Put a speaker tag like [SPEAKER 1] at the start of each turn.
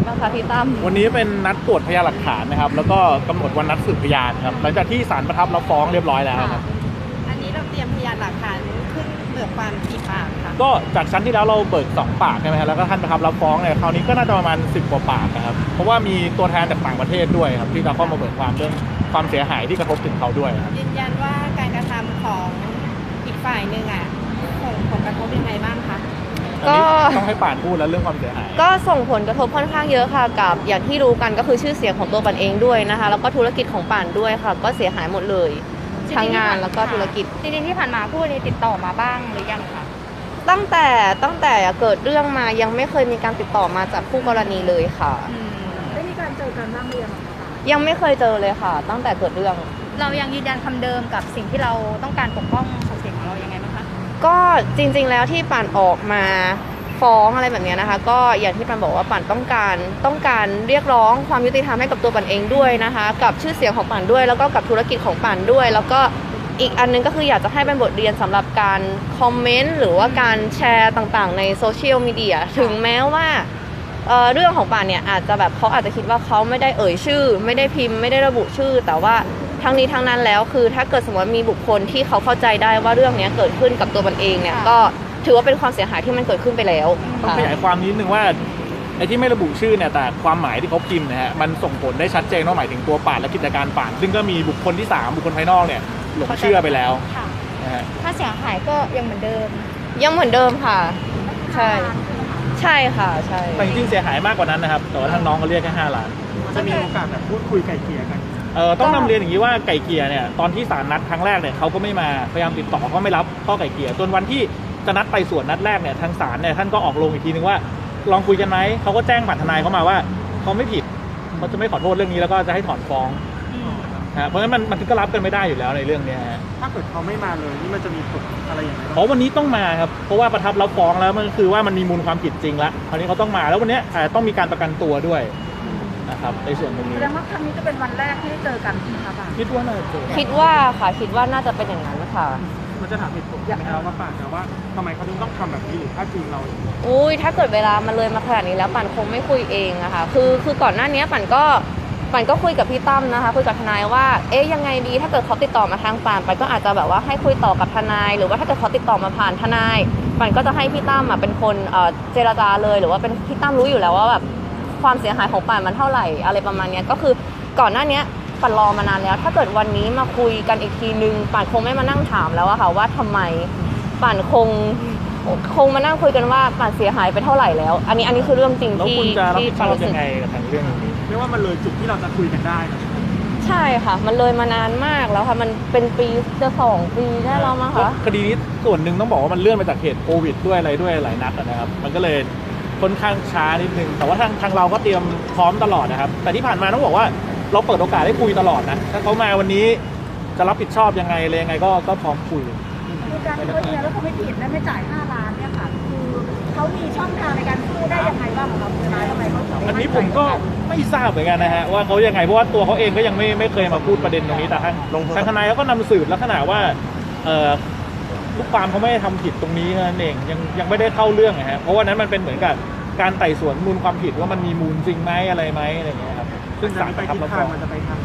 [SPEAKER 1] บ้างคะพี่ตั้ม
[SPEAKER 2] วันนี้เป็นนัดตรวจพยานหลักฐานนะครับแล้วก็กำหนดวันนัดสืบพยานครับหลังจากที่ศาลประทับรับฟ้องเรียบร้อยแล้วครับ
[SPEAKER 3] อันนี้เราเตรียมพยานหลักฐานขึ้นเบิกความกี่ปากค่ะ
[SPEAKER 2] ก็จากชั้นที่แล้วเราเบิก2 ปากใช่ไหมครับแล้วก็ท่านประทับรับฟ้องเนี่ยคราวนี้ก็น่าจะประมาณ10 กว่าปากนะครับเพราะว่ามีตัวแทนจากต่างประเทศด้วยครับที่จะเข้ามาเบิกความเรื่องความเสียหายที่กระทบถึงเขาด้วยครับ
[SPEAKER 3] ยืนยันว่าการกระทำของอีกฝ่ายหนึ่งส่งผลกระทบยังไงบ้างคะ
[SPEAKER 1] ก็
[SPEAKER 2] ต้องให้ป่านพูดแล้วเรื่องความเสียหาย
[SPEAKER 1] ก็ส่งผลกระทบค่อนข้างเยอะค่ะกับอย่างที่รู้กันก็คือชื่อเสียงของตัวปันเองด้วยนะคะแล้วก็ธุรกิจของป่านด้วยค่ะก็เสียหายหมดเลยทั้งงานแล้วก็ธุรกิจ
[SPEAKER 3] จริงๆที่ผ่านมาผู้นี้ติดต่อมาบ้างหรือยังคะ
[SPEAKER 1] ตั้งแต่เกิดเรื่องมายังไม่เคยมีการติดต่อมาจากผู้กรณีเลยค่ะ
[SPEAKER 3] ได้มีการเจอกันบ้างหรือยังคะ
[SPEAKER 1] ยังไม่เคยเจอเลยค่ะตั้งแต่เกิดเรื่อง
[SPEAKER 3] เรายังยืนยันคำเดิมกับสิ่งที่เราต้องการปกป้องศักดิ์ศรีของเรายังไงบ้างคะ
[SPEAKER 1] ก็จริงๆแล้วที่ป่านออกมาฟ้องอะไรแบบนี้นะคะก็อย่างที่ป่านบอกว่าป่านต้องการเรียกร้องความยุติธรรมให้กับตัวป่านเองด้วยนะคะกับชื่อเสียงของป่านด้วยแล้วก็กับธุรกิจของป่านด้วยแล้วก็อีกอันนึงก็คืออยากจะให้เป็นบทเรียนสำหรับการคอมเมนต์หรือว่าการแชร์ต่างๆในโซเชียลมีเดียถึงแม้ว่าเรื่องของป่านเนี่ยอาจจะแบบเขาอาจจะคิดว่าเขาไม่ได้เอ่ยชื่อไม่ได้พิมพ์ไม่ได้ระบุชื่อแต่ว่าทั้งนี้ทั้งนั้นแล้วคือถ้าเกิดสมมติมีบุคคลที่เขาเข้าใจได้ว่าเรื่องนี้เกิดขึ้นกับตัวมันเองเนี่ยก็ถือว่าเป็นความเสียหายที่มันเกิดขึ้นไปแล้ว
[SPEAKER 2] ต้องขยายความนิดนึงว่าไอ้ที่ไม่ระบุชื่อเนี่ยแต่ความหมายที่เขาพิมพ์นะฮะมันส่งผลได้ชัดเจนว่าหมายถึงตัวป่านและกิจการป่านซึ่งก็มีบุคคลที่3บุคคลภายนอกเนี่ยหลงเชื่อไปแล้วนะฮะ
[SPEAKER 3] ถ้าเสียหายก็ยังเหมือนเดิม
[SPEAKER 1] ค่ะใช่ค่ะใช่
[SPEAKER 2] แต่จริงๆเสียหายมากกว่านั้นนะครับแต่ว่าทางน้องเขาเรียกแค่5 ล้าน
[SPEAKER 4] จะมีโอกาสแบบพูดคุยไกล่เกลี่ยกัน
[SPEAKER 2] ต้องนำเรียนอย่างนี้ว่าไก่เกลี่ยเนี่ยตอนที่ศาลนัดครั้งแรกเนี่ยเขาก็ไม่มาพยายามติดต่อก็ไม่รับข้อไก่เกลี่ยจนวันที่จะนัดไปส่วนนัดแรกเนี่ยทางศาลเนี่ยท่านก็ออกลงอีกทีนึงว่าลองคุยกันไหมเขาก็แจ้งผ่านทนายเข้ามาว่าเขาไม่ผิดเขาจะไม่ขอโทษเรื่องนี้แล้วก็จะให้ถอนฟ้องเพราะฉะนั้นมันก็รับกันไม่ได้อยู่แล้วในเรื่องนี้ฮะ
[SPEAKER 4] ถ้าเกิดเขาไม่มาเลยนี่มันจะมีผลอะไรอย่างไร
[SPEAKER 2] เพราะวันนี้ต้องมาครับเพราะว่าประทับรับฟ้องแล้วมันคือว่ามันมีมูลความผิดจริงแล้วคราวนี้เขาต้องมาแล้ววันนี้ต้องมีการประกันตัวด้วยนะครับในส่วนตรงนี้
[SPEAKER 3] แสดงว่าครั้งนี้จะเป็นวันแรกที่ได้เจอกันใช่ไหมคะ
[SPEAKER 2] คิดว่าน่าจะเจอ
[SPEAKER 1] คิดว่าน่าจะเป็นอย่างนั้นค่ะ
[SPEAKER 4] มันจะถามเหตุผลไหมครับว่าป่านนะว่าทำไมเขาถึงต้องทำแบบนี้หรือถ้าจริงเรา
[SPEAKER 1] ถ้าเกิดเวลามันเลยมาขนาดนี้แล้วป่านคงไม่คุยเองอะค่ะคือก่อนหน้านี้ป่านก็คุยกับพี่ตั้มนะคะคุยกับทนายว่ายังไงดีถ้าเกิดเขาติดต่อมาทางป่านก็อาจจะแบบว่าให้คุยต่อกับทนายหรือว่าถ้าเกิดเขาติดต่อมาผ่านทนายป่านก็จะให้พี่ตั้มเป็นคนเจรจาเลยหรือว่าเป็นพี่ตั้มรู้อยู่แล้วว่าแบบความเสียหายของป่านมันเท่าไหร่อะไรประมาณนี้ก็คือก่อนหน้านี้ป่านรอมานานแล้วถ้าเกิดวันนี้มาคุยกันอีกทีนึงป่านคงไม่มานั่งถามแล้วอะค่ะว่าทำไมป่านคงมานั่งคุยกันว่าป่านเสียหายไปเท่าไหร่แล้วอันนี้คือเรื่องจริงที่
[SPEAKER 2] ป่านรู้สึกยังไงกับทางเรื่องนี้
[SPEAKER 4] ไม่ว่ามันเลยจุดที่เราจะคุยกันได้
[SPEAKER 1] ใช่ค่ะมันเลยมานานมากแล้วค่ะมันเป็นปีจะ2 ปีได้แล้วมั้งคะ
[SPEAKER 2] คดีนี้ส่วนหนึ่งต้องบอกว่ามันเลื่อนมาจากเหตุโควิดด้วยอะไรด้วยหลายนัดนะครับมันก็เลยค่อนข้างช้านิดนึงแต่ว่าทางเราก็เตรียมพร้อมตลอดนะครับแต่ที่ผ่านมาต้องบอกว่าเราเปิดโอกาสให้คุยตลอดนะถ้าเขามาวันนี้จะรับผิดชอบยังไงอะไรยังไงก็พร้อมคุย
[SPEAKER 3] คือการที่เขาเนียแล้วเขาไม่ผิดและไม่จ่าย5 ล้านเนี่ยค่ะคือเขามีช่องทางในการสู้ได้ยังไงบ้างครับทนายทำไมเขาถึง
[SPEAKER 2] อันนี้ผมก็ไม่ทราบเหมือนกันนะฮะว่าเขายังไงเพราะว่าตัวเขาเองก็ยังไม่เคยมาพูดประเด็นตรงนี้แต่ทางทนายเขาก็นำสืบลักษณะว่าลูกความเขาไม่ได้ทำผิดตรงนี้นั่นเองยังไม่ได้เข้าเรื่องนะฮะเพราะว่านั้นมันเป็นเหมือนกับการไต่สวนมูลความผิดว่ามันมีมูลจริงไหมอะไรไหมอะไรอย่างเงี้ยครับ
[SPEAKER 4] ซึ่งศาลประทับรับฟ้องมันจะไปทาง